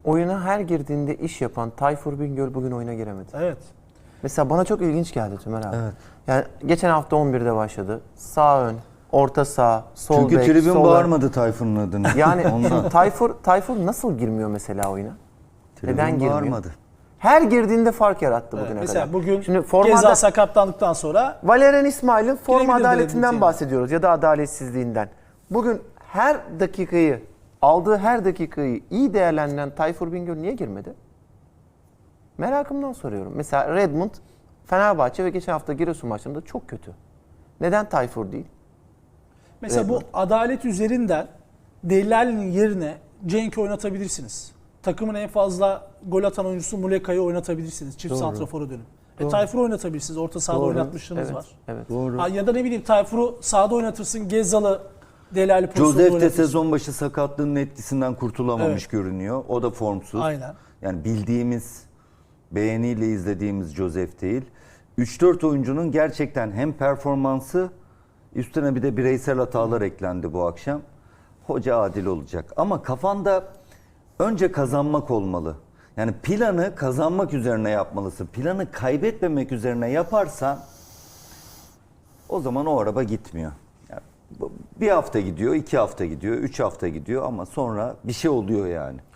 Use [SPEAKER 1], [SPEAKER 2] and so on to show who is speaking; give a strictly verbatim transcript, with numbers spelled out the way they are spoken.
[SPEAKER 1] oyuna her girdiğinde iş yapan Tayfur Bingöl bugün oyuna giremedi.
[SPEAKER 2] Evet.
[SPEAKER 1] Mesela bana çok ilginç geldi Tümer abi.
[SPEAKER 3] Evet.
[SPEAKER 1] Yani geçen hafta on birde başladı. Sağ ön, orta sağ, sol
[SPEAKER 3] Çünkü
[SPEAKER 1] bek,
[SPEAKER 3] tribün
[SPEAKER 1] sol ön.
[SPEAKER 3] bağırmadı Tayfun'un adını.
[SPEAKER 1] Yani
[SPEAKER 3] Ondan.
[SPEAKER 1] Tayfur Tayfur nasıl girmiyor mesela oyuna?
[SPEAKER 3] Tribün
[SPEAKER 1] Neden girmiyor?
[SPEAKER 3] bağırmadı.
[SPEAKER 1] Her girdiğinde fark yarattı
[SPEAKER 2] Evet,
[SPEAKER 1] bugüne
[SPEAKER 2] mesela
[SPEAKER 1] kadar.
[SPEAKER 2] bugün
[SPEAKER 1] Şimdi
[SPEAKER 2] Geza
[SPEAKER 1] formada
[SPEAKER 2] sakatlandıktan sonra
[SPEAKER 1] Valerian İsmail'in form
[SPEAKER 2] Girebilir
[SPEAKER 1] adaletinden
[SPEAKER 2] dedi,
[SPEAKER 1] bahsediyoruz ya da adaletsizliğinden. Bugün her dakikayı, aldığı her dakikayı iyi değerlendiren Tayfur Bingöl niye girmedi? Merakımdan soruyorum. Mesela Redmond, Fenerbahçe ve geçen hafta Giresun maçlarında çok kötü. Neden Tayfur değil?
[SPEAKER 2] mesela
[SPEAKER 1] Evet.
[SPEAKER 2] bu adalet üzerinden Delali'nin yerine Cenk'i oynatabilirsiniz. Takımın en fazla gol atan oyuncusu Muleka'yı oynatabilirsiniz. Çift
[SPEAKER 1] Doğru.
[SPEAKER 2] santrafora dönüp. E,
[SPEAKER 1] Doğru.
[SPEAKER 2] Tayfur'u oynatabilirsiniz. Orta sahada
[SPEAKER 1] Doğru.
[SPEAKER 2] oynatmışlığınız
[SPEAKER 1] Evet,
[SPEAKER 2] var.
[SPEAKER 1] Evet.
[SPEAKER 3] Doğru.
[SPEAKER 2] Ha, ya da ne bileyim Tayfur'u sağda oynatırsın. Gezal'ı Delali pozisyonda
[SPEAKER 3] Joseph de
[SPEAKER 2] oynatırsın.
[SPEAKER 3] sezon başı sakatlığının etkisinden kurtulamamış
[SPEAKER 2] Evet.
[SPEAKER 3] görünüyor. O da formsuz.
[SPEAKER 2] Aynen.
[SPEAKER 3] Yani bildiğimiz, beğeniyle izlediğimiz Joseph değil. üç dört oyuncunun gerçekten hem performansı, üstüne bir de bireysel hatalar eklendi bu akşam. Hoca adil olacak. Ama kafanda önce kazanmak olmalı. Yani planı kazanmak üzerine yapmalısın. Planı kaybetmemek üzerine yaparsan o zaman o araba gitmiyor. Yani bir hafta gidiyor, iki hafta gidiyor, üç hafta gidiyor ama sonra bir şey oluyor yani.